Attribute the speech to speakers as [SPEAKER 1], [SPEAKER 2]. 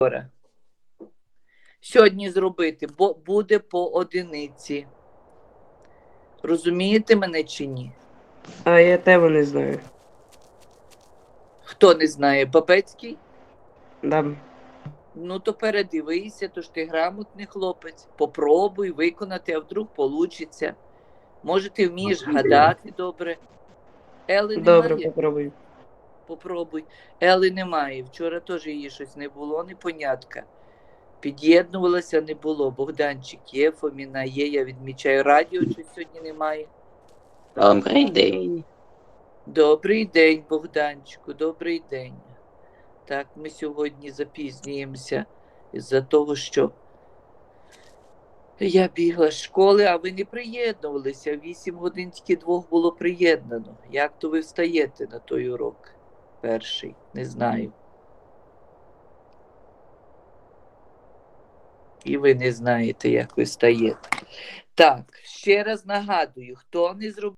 [SPEAKER 1] Сьогодні зробити, бо буде по одиниці. Розумієте мене чи ні?
[SPEAKER 2] А я тебе не знаю.
[SPEAKER 1] Хто не знає, Бабецький?
[SPEAKER 2] Да.
[SPEAKER 1] Ну, то передивися, то ж ти грамотний хлопець. Попробуй виконати, а вдруг получиться. Може, ти вмієш гадати добре. Ели
[SPEAKER 2] Добре,
[SPEAKER 1] немає?
[SPEAKER 2] попробуй.
[SPEAKER 1] Попробуй. Ели немає. Вчора теж її щось не було, непонятка. Під'єднувалася, не було. Богданчик є, Фоміна є, я відмічаю. Радіо щось сьогодні немає.
[SPEAKER 3] Добрий день.
[SPEAKER 1] Добрий день, Богданчику, добрий день. Так, ми сьогодні запізнюємося із-за того, що я бігла з школи, а ви не приєднувалися. 8 годин тільки 2 було приєднано. Як то ви встаєте на той урок перший? Не знаю. І ви не знаєте, як ви встаєте. Так, ще раз нагадую, хто не зробив